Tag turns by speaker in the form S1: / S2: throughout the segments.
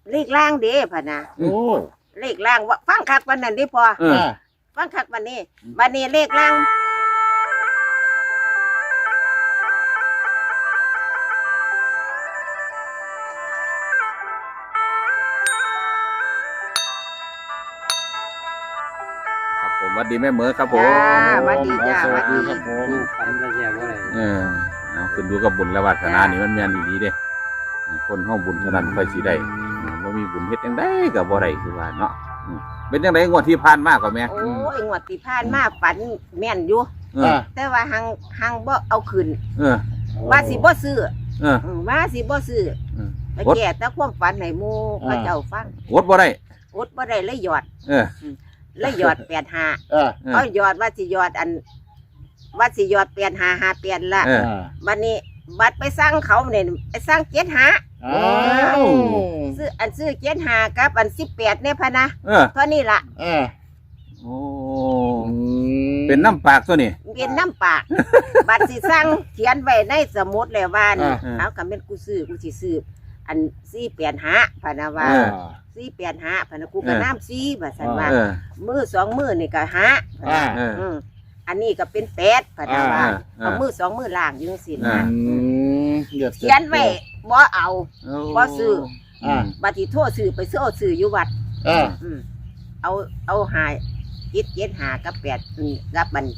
S1: เลขล่างเด้พะนะ
S2: โอ้
S1: เลขล่างว่าฟังคักวันนั้นดิพอฟังคักวันนี้เลขล่าง
S3: ผมวัดดีแม่เหมอครับผม
S1: วัดดีจ้าวัดดี
S2: ครับผม
S4: ฝันละแยกว่าอะไร
S3: เอาขึ้นดูกับบุญและวาสนานี่มันแม่นดีเด้คนห้องบุญเท่านั้นค่อยสิได้บ่มีบุญเฮ็ดจังได๋ก็บ่ได้คือว่าเนาะเป็นจังได๋งวดที่ผ่านมาก็แม่
S1: โอ้ยงวดที่ผ่านมาฝันแม่นอยู่แต่ว่าหังบ่เอาขึ้นว่าสิบ่ซื้อว่าสิบ่ซื้อไปแก้แต่ความฝันให้หมู่เขาเจ้าฟัง
S3: อดบ่ได้
S1: เลยหยอดแล้วหยอด85เอาหยอดว่าสิหยอด8558ละบัดนี้บัดไปสร้างเขาเนี่ยไปสร้างซื้อ75กับอัน18เนี่ยพะนะเท่านี้ล่ะ
S3: โอ้เป็นน้ำปากตัวนี้
S1: เป็นน้ำปากบัดสิสร้างเขียนไว้ในสมุดแล้วว่าเอาคำเป็นกูสิซื้ออัน485พะนะว่า485พะนะกูก็น้ำ4ว่าซั่นว่ามือ2มือนี่ก็อันนี้ก็เป็น8พะนะว่าเอามือ2มือล่างอยู่จังซี่นะเขียนไว้บ่เอาบ่ซื้อบัดที่โทรซื้อไปซื้ออยู่วัดเอาหา775กับ8กับบัน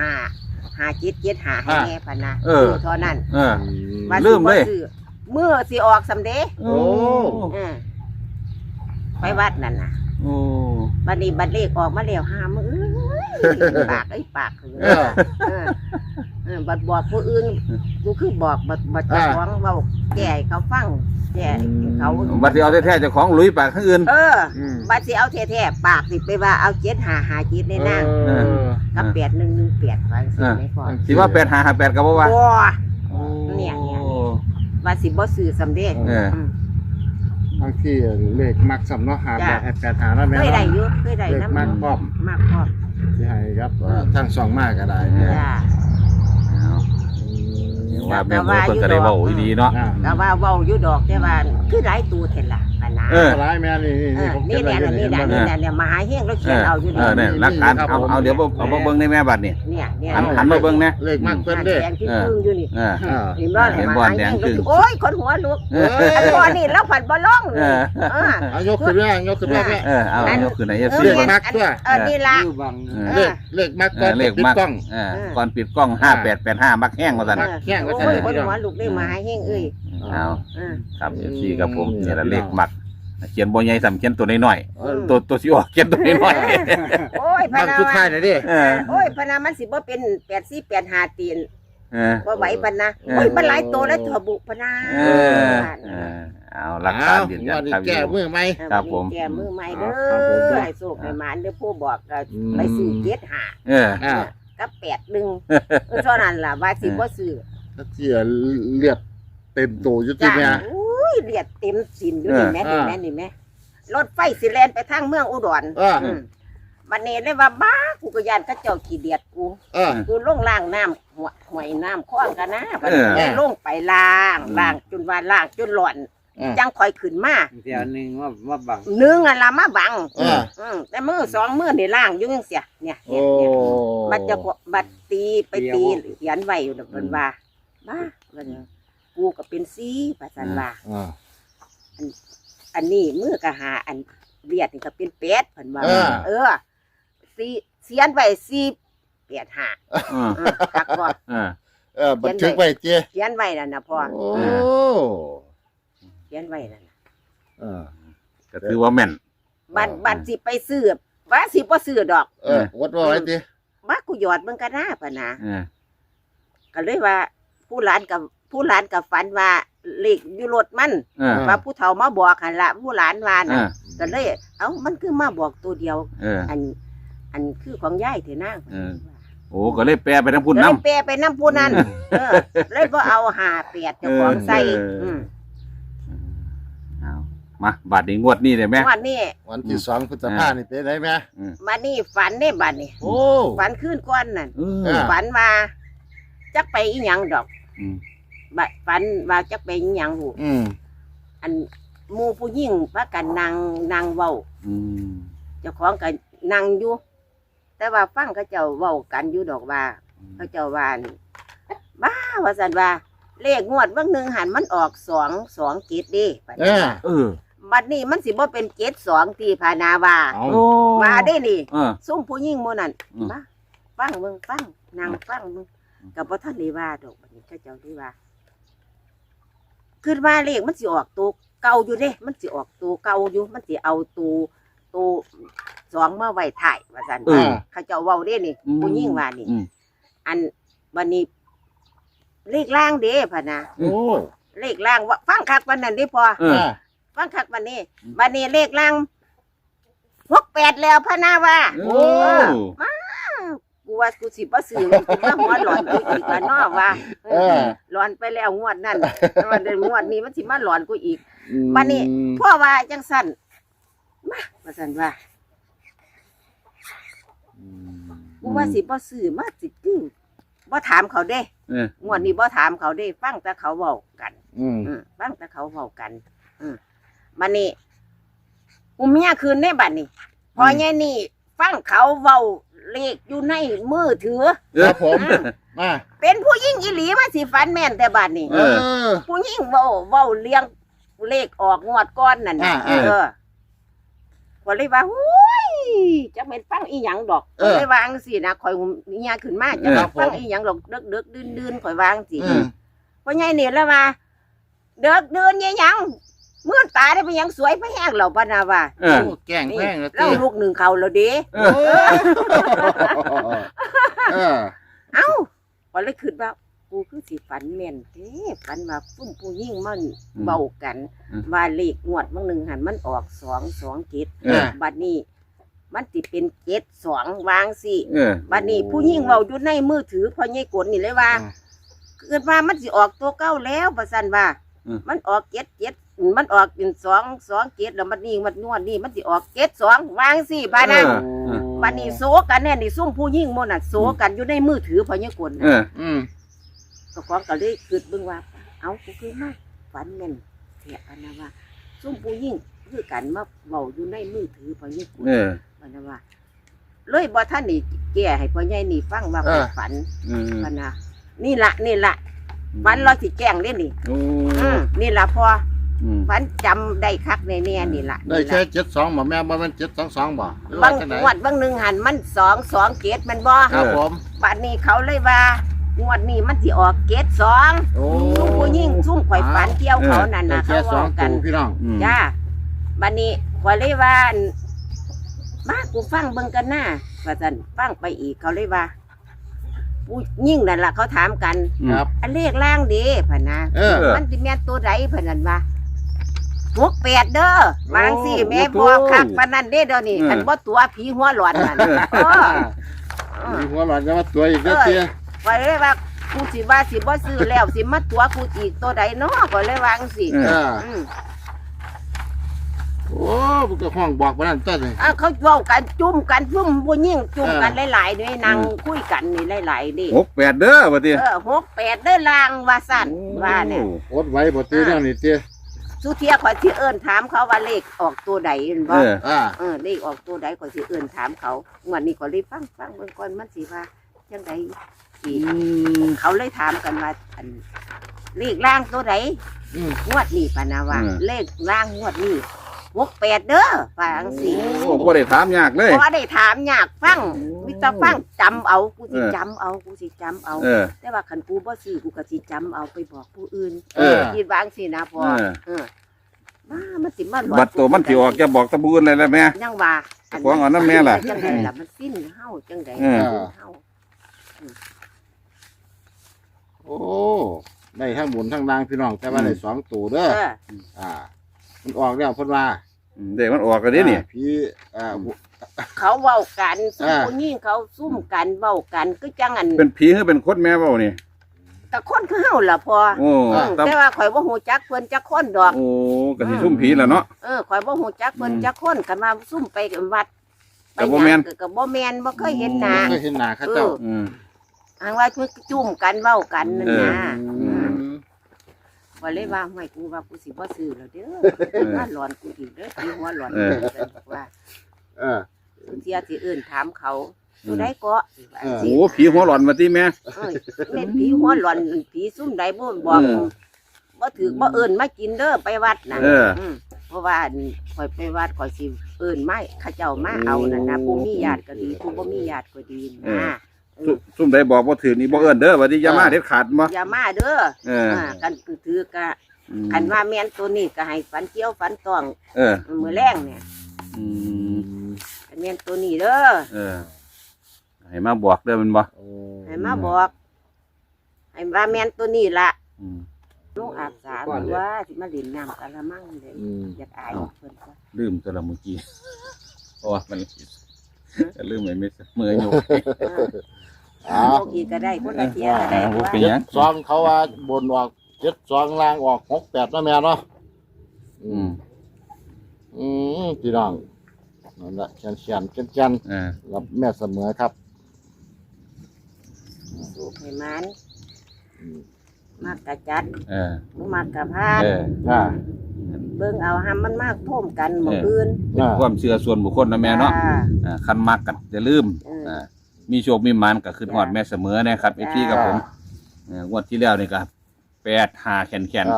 S1: 5 775ให้แม่พะนะเท่านั้น
S3: ลืมเลย
S1: มือสิออกสำเด้ไปวัดนั่นน่ะบัดนี้บัดเลขออกมาแล้ว5มื้อปากบัดบอกผู้อื่นกูคือบอกบัดเจ้าของเว้าแก่เขาฟังแก่เขา
S3: บัดสิเอาแท้ๆเจ้าของลุยปากทั้งอื่น
S1: บัดสิเอาแท้ๆปากสิไปว่าเอา7557ในนางกับ8118ว่าสิไม่พอ
S3: สิว่า8558ก็บ่ว่า
S1: เนี่ยว่าสิบ่ซื้อสำเร็จ
S2: บางทีเลขมักสำเนาะ585แล้วแม่
S1: เคยได้อยู่เคยได้นำ
S2: มักพร้อมสิให้ครับทั้ง2มากก็ได้
S1: จ้า
S3: ว่าแม่เพิ่นก็ได้เว้าดีเนาะ
S1: ก็ว่าเว้าอยู่ดอกแต่ว่าคือหลายตัวเท่ล่ะปะนะ
S2: หลายแม่นี่
S1: ผมนี่เนี่ยมหาเฮงเราเขียนเอาอยู่
S3: นี่หลักฐานเอาเดี๋ยวเอามาเบิ่งในแม่บัดนี่หันมาเบิ่งนะ
S2: เลขมักเพิ่นเด้
S1: แดงที่พึ่งอยู่นี่
S3: เห็นบ่แดงคือ
S1: โอ้ยคนหัวลุกอันบ่นี่เราผัดบ่ลง
S2: เอายกขึ้นแม่
S3: เอายกขึ้นไหน
S2: เลขมักตัว
S1: นี่ล่ะ
S2: เลขมักก่อนปิดกล้อง
S3: ก่อนปิดกล้อง5885มักแห้งว่าซั่น
S2: แห้งว่า
S1: ซั่นคนหัวลุกได้มหาเฮงเอ้ย
S3: เอาครับFCครับผมนี่ละเลขมักเขียนบ่ใหญ่สำเขียนตัวน้อยๆตัวสิออกเขียนตัวน้อย
S1: ๆโอ้ยพะนา
S2: สุดท้ายน่ะดิ
S1: โอ้ยพะนามันสิบ่เป็น8485ตีนบ่ไหวปานนะโอ้ยมันหลายตัวแล้วถั่วบุพะนา
S3: เอาหลักฐานยืนยันครับ
S2: แก้มือใหม่
S3: ครับผม
S1: แก้มือใหม่เด้อให้โชคให้หมานเด้อผู้บอกไปซื้อ75กับ81เท่านั้นล่ะว่าสิบ่ซื้อ
S2: เสียเลือดเต็มตัวอยู่ติแม่
S1: อุ้ยเลือดเต็มสินอยู่นี่แม่นี่แม่รถไฟสิแล่นไปทางเมืองอุดรบัดนี้เลยว่าบ้ากูก็ย่านเขาเจ้าขี้เดียดกูลงล้างน้ำห่วยน้ำคลองกันนะบัดนี้ลงไปล้างจนว่าล้างจนหล่อนจังค่อยขึ้นมา
S4: เดี๋ยวนึงว่าบัง
S1: นึงอันละมาบังแต่มือ2มือนี่ล้างอยู่จังเสียเนี่ยมันจะบัดตีไปตีเขียนไว้อยู่เพิ่นว่าบ้ากูก็เป็นซีประสันว่าอันนี้มือกะหาอันเลียดนี่ก็เป็นเป็ดเพิ่นว่าซีเขียนไว้485คักบ่
S2: บันทึกไว้เจ้
S1: เขียนไว้นั่นน่ะพ่อเขียนไว้นั่น
S3: ก็ถือว่าแม่น
S1: บัดสิไปซื้อว่าสิบ่ซื้อดอก
S2: วัดว่าไว้ติ
S1: มากูหยอดเบิ่งกันนะปะนะก็เลยว่าผู้หลานกับฝันว่าเลขอยู่รถมันว่าผู้เฒ่ามาบอกหั่นล่ะผู้หลานว่าน่ะก็เลยมันคือมาบอกตัวเดียวอันคือของยายเถอะนาง
S3: โอ้ก็เลยแปลไปนำพุ่นนำ
S1: แปลไปนำพุ่นนั่นเลยบ่เอา58เจ้าของใส่
S3: มาบัดนี้งวดนี้ได้แม่
S1: งวดนี้
S2: วันที่2พฤษภาคมนี่เป็นได้แม่
S1: บัดนี้ฝันได้บัดนี้ฝันคืนก่อนนั่นฝันว่าจักไปอีหยังดอกฝันว่าจักไปอีหยังหูอันหมู่ผู้หญิงพากันนางเว้า
S3: อืม
S1: เจ้าของก็นั่งอยู่ แต่ว่าฟังเขาเจ้าเว้ากันอยู่ดอกว่าเขาเจ้าว่านี่บ้าว่าซั่นว่า เลขงวดบางหนึงหันมันออก2 7เด้บัด
S2: เอ
S1: นี้
S2: อ
S3: เออ
S1: บัดนี้มันสิบ่เป็น7 2ที่พานาว่า
S2: เอา
S3: โอ้
S1: มาได้นี่
S3: เออ
S1: ซุ่มผู้หญิงหมู่นั้น
S3: อืม
S1: มาฟังเบิ่งฟังนางฟังเบิ่งก็บ่ทันได้ว่าดอกบัดนี้เขาเจ้าได้ว่าคิดว่าเลขมันสิออกตัวเก่าอยู่เด้มันสิออกตัวเก่าอยู่มันสิเอาตัวสองมาไว้ถ่ายว่าซั่น
S3: เออ
S1: เขาเจ้าเว้าเด้นี่ผู้หญิงว่านี่
S3: อืม
S1: อันบัดนี้ เลขล่างเด้พ่ะนะ
S2: โอ้
S1: เลขล่างว่าฟังคักวันนั้นเด้พอ
S3: เออ
S1: ฟังคักวันนี้บัดนี้เลขล่าง68แล้วพะนะว่า
S3: โอ้
S1: กูว่ากูสิบ่ซื้อกูว่าหัวหลอนกูอีกว่าเนาะว่า
S2: เออ
S1: หลอนไปแล้วงวดนั้นแต่ว่าเดือนงวดนี้มันสิมาหลอนกูอีก บัดนี้ พ่อว่าจังสั่นมาว่าสั่นว่ากูว่าสิบ่ซื้อมาสิคือบ่ถามเขาเด้
S3: เออง
S1: วดนี้บ่ถามเขาเด้ ฟังแต่เขาเว้ากัน
S2: อืม
S1: ฟังแต่เขาเว้ากันบัดนี้กูเมียคืนในบัดนี้พอใหญ่นี่ ฟังเขาเว้าเลขอยู่ในมือถือ
S2: ครับผมมา
S1: เป็นผู้หญิงอีหลีมาสิฝันแม่นแต่บัดนี้
S2: เออ
S1: ผู้หญิงเว้าเลี้ยงเลขออกงวดก้อนนั่นน่ะ
S2: อ่า
S1: ก็เลยว่าหุ้ยจะเป็นฟังอีหยังดอก
S2: เออ
S1: ก็เลยวาจั่งสินะข่อยเมียขึ้นมาจะ
S2: ครั
S1: มา
S2: บ
S1: ฟัง
S2: ผม
S1: อีหยังดอกเดึกๆดื่นๆข่อยวาจั่งสิ
S2: อืม
S1: เพราะไงนี่แล้วมาเดึกดื่นอีหยังมื่นตาได้เป็นหยังสวยไปแห้งเหล่าปานาว่า
S3: เออ
S2: โอ้แกล้งแพงแล้ว
S1: เล่าลูกหนึ่งเขาแล้วเด้
S3: เออ
S2: โอ้เออ
S1: เอ้าก็เลยคิดว่ากูคือสิฝันแม่นเด้ฝันว่าซุ่มผู้หญิงมันเบากัน ว่าเลขงวดบางหนึ่งหันมันออก2 7
S3: เออ
S1: บัดนี้มันสิเป็น7 2วางสิ
S3: เออ
S1: บัดนี้ผู้หญิงเว้าอยู่ในมือถือพอใหญ่กดนี่เลยว่าเกิดว่ามันสิออกตัวเก่าแล้วประสันว่า มันออก7 มันออกเป็น2 7แล้วมันนี่มันนวดนี่มันสิออก7 2วางสิบาดนั้น
S3: เออ
S1: บัดนี้โซกันแน่นี่ซุ่มผู้หญิงหมดน่ะโซกันอยู่ในมือถือพอใหญ่กด
S3: เอ
S1: น่ะ
S3: อ
S2: อืม
S1: ก็ของก็เลยคิดเบิ่งว่า เอากูคือมาฝันแม่นแท้ปานนะว่าซุ่มผู้หญิงคือกันมาเว้าอยู่ในมือถือพอใหญ่กด
S3: เออ
S1: ปานนะว่าเลยบ่ทันนี่แก้ให้พ่อใหญ่นี่ฟังว่าข้อยฝัน
S3: เออ
S1: ปานนะนี่ละฝันเราสิแจ้งเล่นนี่
S3: โอ้
S1: นี่ละพอ
S3: อืม
S1: ฝันจำได้คักแน่ๆนี่ละ
S2: ได้แค่72บ่แม่บ่แม่น722บ่หรือว่
S1: บาง
S2: จังได๋
S1: งวดบางหนึ่งหันมัน2 2 7มันบ่
S2: ครับผม
S1: บัดนี้เขาเลยว่างวดนี้มันสิออก7
S2: โอ้
S1: 2ซุ่มผู้หญิงซุ่มข่อยฝันเกี่ยวเขานั่น
S2: ได้
S1: น่ะ
S2: แค่
S1: เขา
S2: สอ
S1: เว้าง กัน
S2: ตัวพี่น้อง
S3: อืม
S1: จ้าบัดนี้ข่อยเลยว่ามากูฟังเบิ่งกันหน้าว่าซั่นฟังไปอีกเขาเลยว่าผู้หญิงนั่นล่ะเขาถามกัน
S2: ครับ
S1: อันเลขล่างเด้พะนะ
S2: เออ
S1: มันสิแม่นตัวใดพะนันว่า68เด้อวางสิแม่บอกคักปานนั้นเด้เดี๋ยวนี้อันบ่ตัวผีหัวหลอนนั่นเออ
S2: มีหัวหลอนจะมาตัวอีกเด้อเตี้ย
S1: ไว้เลยว่ากูสิว่าสิบ่ซื้อแล้วสิมาตัวกูอีกตัวใดเนาะก็เลยวาจั่งสิ
S3: เอ
S2: เออ
S1: อืม
S2: โอ้มันก็ห้องบอกบ่นั่นต้นนี่
S1: เขาเว้ากันจุ่มกันซุ่มผู้หญิงจุ่มกันหลายๆด้วยนั่งคุยกันนี่หลายๆดิ
S3: 68เด้อบัดนี้
S1: 68เด้อลางว่าสั่นว่าเนี่ย
S2: อดไว้บ่ตื้อแล้วนี่เตี้ย
S1: สุเทียข่อยสิเอิ้นถามเขาว่าเลขออกตัวใดเห็น
S3: เอ
S1: บ่
S3: อ
S2: อ่า
S1: เลขออกตัวใดข่อยสิเอิ้นถามเขางวดนี้ข่อยเลยฟังเบิ่งก่อนมันสิว่าจังไดสิเขาเลยถามกันว่าอันเลขล่างตัวใด
S2: อืม
S1: งวดนี้ปานาว่า
S3: อืม
S1: เลขล่างงวดนี้68เด้อว่าจังซี่
S3: โอ้บ่ได้ถามยากเลย
S1: บ่ได้ถามยากฟังมีแต่ฟังจำเอากูสิ
S3: เออ
S1: จำเอากูสิจำเอา
S3: เออ
S1: แต่ว่าคันกูบ่ซื้อกูก็สิจำเอาไปบอกผู้อื่น
S3: เออ
S1: คิดวาจังซี่นะพ่อ
S3: เออ
S1: เออมามันสิมาหลอน
S3: บัดตัวมันสิออกจะบอกตะบูนเลยแล้วแม่
S1: ยังว่า
S3: ของเอาน้ำแม่ล่ะ
S1: จังไดล่ะมันสิ้นเฮาจังได
S3: เออ
S1: สิ้นเฮา
S2: โอ้ได้ทั้งบุญทั้งนางพี่น้องแต่ว่าได้สองตัวเด้อ
S1: เออ
S2: อ่า มันออกแล้วเพิ่นว่า
S3: เด็กมันออกกันดินี่
S2: พี่
S1: เขาเว้ากันซุ่ม
S2: อ่า
S1: ผู้หญิงเขาซุ่มกันเว้ากันคือจังอัน
S3: เป็นผีหรือเป็นคนแม่เว้านี่
S1: แต่คนคือเฮาล่ะพ่อ
S3: โอ้
S1: แต่ว่าข่อยบ่ฮู้จักเพิ่นจักคนดอก
S3: โอ้ก็สิซุ่มผีแหล้วเนาะ
S1: ข่อยบ่ฮู้จักเพิ่นจักคนกันว่าซุ่มไปวัด
S3: ก็บ่แม่น
S1: ก็บ่แม่นบ่เคยเห็นหน้า
S2: เคยเห็นหน้าเขาเจ้า
S3: อืม
S1: อังว่าจุ่มกันเว้ากันนั่นนะ
S2: อืม
S1: ว่าเลยว่าไม่กูว่ากูสิบ่ซื้อแล้วเด้อว่าหลอนกูอีกเด้อที่หัวหลอนว่า
S2: เออ
S1: เที่ยที่อื่นถามเขาตัวใดก็
S3: โอ้โหผีหัวหลอนมาที่แม่
S1: แม่นผีหัวหลอนผีซุ่มใดบ่บอกบ่ถือบ่เอิ้นมากินเด้อไปวัดน่ะเพราะว่าข่อยไปวัดข่อยสิเอิ้นมาเขาเจ้ามาเอานั่นนะผู้มีญาติก็ดีผู้บ่มีญาติก็ดีนะ
S3: ซุ่มใดบอกว่าถือนี่บ่เอิ้นเด้อว่าที่อย่ามาเด็ดขาดบ่
S1: อย่ามาเด้อกันถือก็คันว่าแม่นตัวนี้ก็ให้ฝันเกี่ยวฝันตองมื้อแรงเนี่ยแม่นตัวนี้เด้อ
S3: ให้มาบอกเด้อมันบ่
S1: ให้มาบอกให้ว่าแม่นตัวนี้ล่ะลูกอาบสาหรือว่าสิมาเล่นน้ำกะละมังเลยอยากอายเพิ่นก็
S3: ลืมตัวละเมื่อกี้เพราะว่ามันจะลืมไว้ไม่เมื่อยอยู่
S1: โลกีก็ได้คนละเทียก็ได้ว่า
S3: เป็นหยัง
S2: ซองเขาว่าบนออก7 ล่างออก68นะแม่เนาะพี่น้องนั่นแหละเขียนรับแม่เสมอครับ
S1: สูบให้มันมากกะจัด บ่มากกะพาน
S2: อ่า
S1: เบิ่งเอาหำมันมากท่วมกันหมู่อื่น
S3: เป็นความเชื่อส่วนบุคคลนะแม่เนาะคันมักกันจะลืมมีโชคมีหมันก็คือฮอดแม่เสมอนะครับไอ้พี่กับผมงวดที่แล้วนี่ก็8-5แขน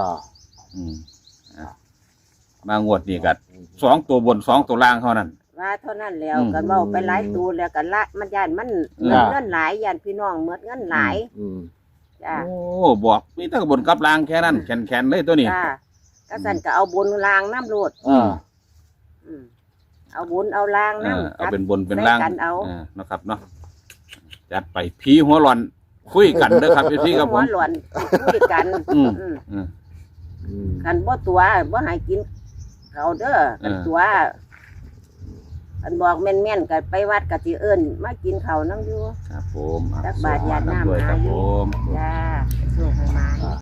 S3: มางวดนี้ก็2ตัวบน2ตัวล่างเท่านั้น
S1: ว่าเท่านั้นแล้วก็เว้าไปหลายตูแล้วก็ละมันย่านมันเงินหลายย่านพี่น้องหมดเงินหลายจ้า
S3: โอ้บอกมีแต่บนกับล่างแค่นั้นแขนเลยตัวนี้
S1: จ้าก็สั่นก็เอาบนล่างน้ำโลดเอาบนเอาล่างน้ำ
S3: เอาเป็นบนเป็นล่าง
S1: กันเอา
S3: นะครับเนาะจัดไปผีหัวหลอนคุยกันเด้อครับพี่กับผม
S1: หัวหลอนคุยกันกันบ่ตัวบ่ให้กินเขาเด้อกันตัวกันบอกแม่นๆกันไปวัดกะสิเอิ้นมากินข้าวนั่งอยู่
S3: ครับผม
S1: ตักบาตรญาติน้ำ
S3: ด้วยครับผม
S1: จ้าโชคให้มา